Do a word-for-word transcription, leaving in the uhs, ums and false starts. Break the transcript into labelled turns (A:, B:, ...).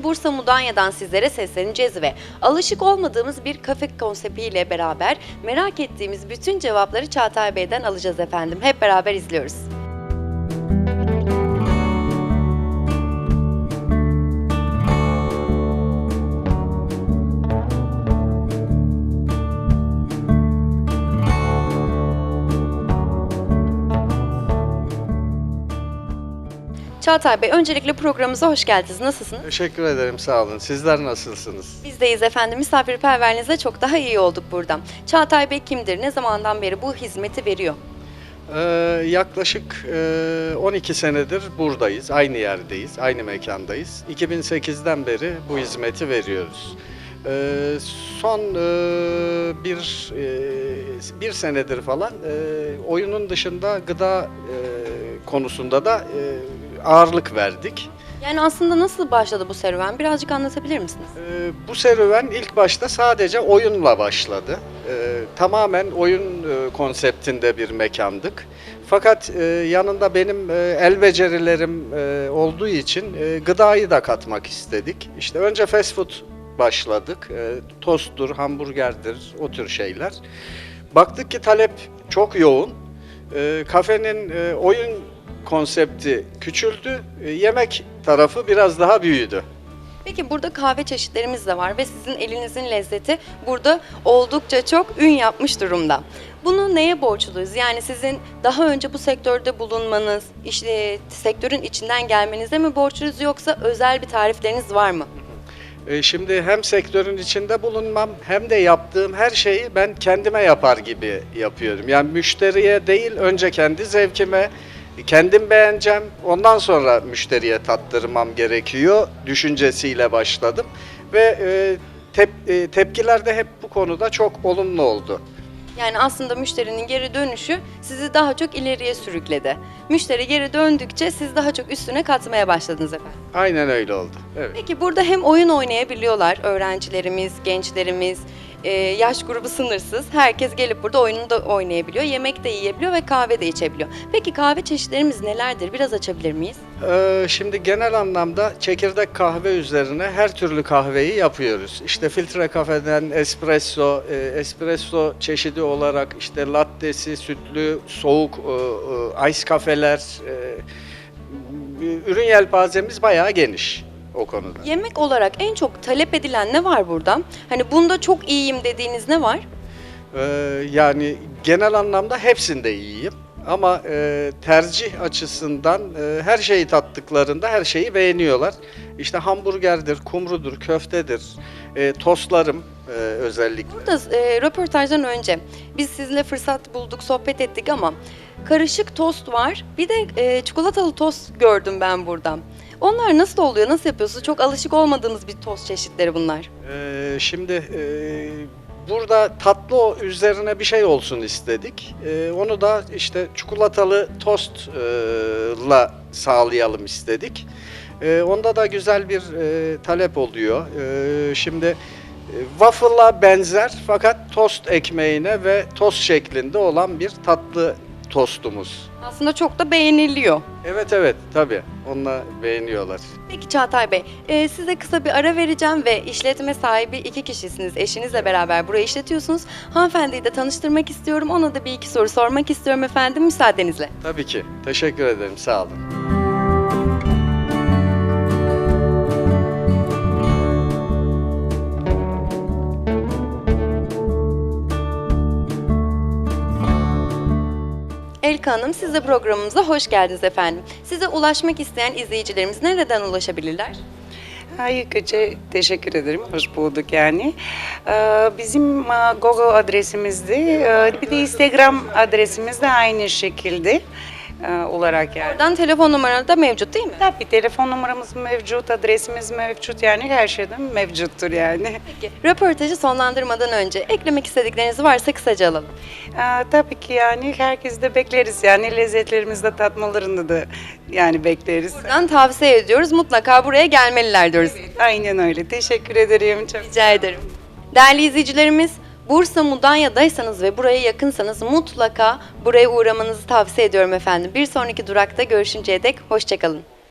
A: Bursa Mudanya'dan sizlere sesleneceğiz ve alışık olmadığımız bir kafe konseptiyle beraber merak ettiğimiz bütün cevapları Çağatay Bey'den alacağız efendim. Hep beraber izliyoruz. Çağatay Bey, öncelikle programımıza hoş geldiniz. Nasılsınız?
B: Teşekkür ederim, sağ olun. Sizler nasılsınız?
A: Bizdeyiz efendim. Misafirperverliğinize çok daha iyi olduk burada. Çağatay Bey kimdir? Ne zamandan beri bu hizmeti veriyor?
B: Ee, yaklaşık e, on iki senedir buradayız, aynı yerdeyiz, aynı mekandayız. iki bin sekizden beri bu hizmeti veriyoruz. Ee, son e, bir e, bir senedir falan e, oyunun dışında gıda e, konusunda da e, ağırlık verdik.
A: Yani aslında nasıl başladı bu serüven? Birazcık anlatabilir misiniz?
B: Ee, bu serüven ilk başta sadece oyunla başladı. Ee, tamamen oyun e, konseptinde bir mekandık. Fakat e, yanında benim e, el becerilerim e, olduğu için e, gıdayı da katmak istedik. İşte önce fast food başladık. E, tosttur, hamburgerdir, o tür şeyler. Baktık ki talep çok yoğun. E, kafenin e, oyun konsepti küçüldü, e, yemek tarafı biraz daha büyüdü.
A: Peki burada kahve çeşitlerimiz de var ve sizin elinizin lezzeti burada oldukça çok ün yapmış durumda. Bunu neye borçluyuz? Yani sizin daha önce bu sektörde bulunmanız, işte sektörün içinden gelmenize mi borçluyuz yoksa özel bir tarifleriniz var mı?
B: E, Şimdi hem sektörün içinde bulunmam hem de yaptığım her şeyi ben kendime yapar gibi yapıyorum. Yani müşteriye değil, önce kendi zevkime, kendim beğeneceğim, ondan sonra müşteriye tattırmam gerekiyor düşüncesiyle başladım. Ve e, tep, e, tepkiler de hep bu konuda çok olumlu oldu.
A: Yani aslında müşterinin geri dönüşü sizi daha çok ileriye sürükledi. Müşteri geri döndükçe siz daha çok üstüne katmaya başladınız efendim.
B: Aynen öyle oldu. Evet.
A: Peki burada hem oyun oynayabiliyorlar öğrencilerimiz, gençlerimiz, e, yaş grubu sınırsız. Herkes gelip burada oyununu da oynayabiliyor, yemek de yiyebiliyor ve kahve de içebiliyor. Peki kahve çeşitlerimiz nelerdir? Biraz açabilir miyiz?
B: Ee, şimdi genel anlamda çekirdek kahve üzerine her türlü kahveyi yapıyoruz. İşte filtre kahveden espresso, e, espresso çeşidi olarak işte lattesi, sütlü, soğuk, e, e, ice kafeler, e, ürün yelpazemiz bayağı geniş o konuda.
A: Yemek olarak en çok talep edilen ne var burada? Hani bunda çok iyiyim dediğiniz ne var?
B: Ee, yani genel anlamda hepsinde iyiyim. Ama e, tercih açısından e, her şeyi tattıklarında her şeyi beğeniyorlar. İşte hamburgerdir, kumrudur, köftedir, e, tostlarım e, özellikle.
A: Burada e, röportajdan önce biz sizinle fırsat bulduk, sohbet ettik ama karışık tost var. Bir de e, çikolatalı tost gördüm ben buradan. Onlar nasıl oluyor, nasıl yapıyorsunuz? Çok alışık olmadığımız bir tost çeşitleri bunlar.
B: E, şimdi e, burada tatlı o- üzerine bir şey olsun istedik. E, onu da işte çikolatalı tostla sağlayalım istedik. E, onda da güzel bir e, talep oluyor. E, şimdi e, waffle'a benzer fakat tost ekmeğine ve tost şeklinde olan bir tatlı tostumuz.
A: Aslında çok da beğeniliyor.
B: Evet evet tabii onunla beğeniyorlar.
A: Peki Çağatay Bey, e, size kısa bir ara vereceğim ve işletme sahibi iki kişisiniz. Eşinizle beraber burayı işletiyorsunuz. Hanımefendiyi de tanıştırmak istiyorum. Ona da bir iki soru sormak istiyorum efendim müsaadenizle.
B: Tabii ki. Teşekkür ederim. Sağ olun.
A: Elka Hanım, siz de programımıza hoş geldiniz efendim. Size ulaşmak isteyen izleyicilerimiz nereden ulaşabilirler?
C: Harikaca teşekkür ederim. Hoş bulduk yani. Ee, Bizim e, Google adresimizde, e, bir de Instagram adresimiz de aynı şekilde e, olarak yani.
A: Oradan telefon numaraları da mevcut değil mi?
C: Tabii telefon numaramız mevcut, adresimiz mevcut yani her şeyden mevcuttur yani.
A: Peki, röportajı sonlandırmadan önce eklemek istedikleriniz varsa kısaca alalım.
C: Ee, Tabii ki yani herkes de bekleriz yani lezzetlerimizi de tatmalarını da yani bekleriz.
A: Buradan tavsiye ediyoruz. Mutlaka buraya gelmeliler diyoruz.
C: Aynen öyle. Teşekkür ederim. Çok
A: Rica ederim. Değerli izleyicilerimiz, Bursa Mudanya'daysanız ve buraya yakınsanız mutlaka buraya uğramanızı tavsiye ediyorum efendim. Bir sonraki durakta görüşünceye dek hoşça kalın.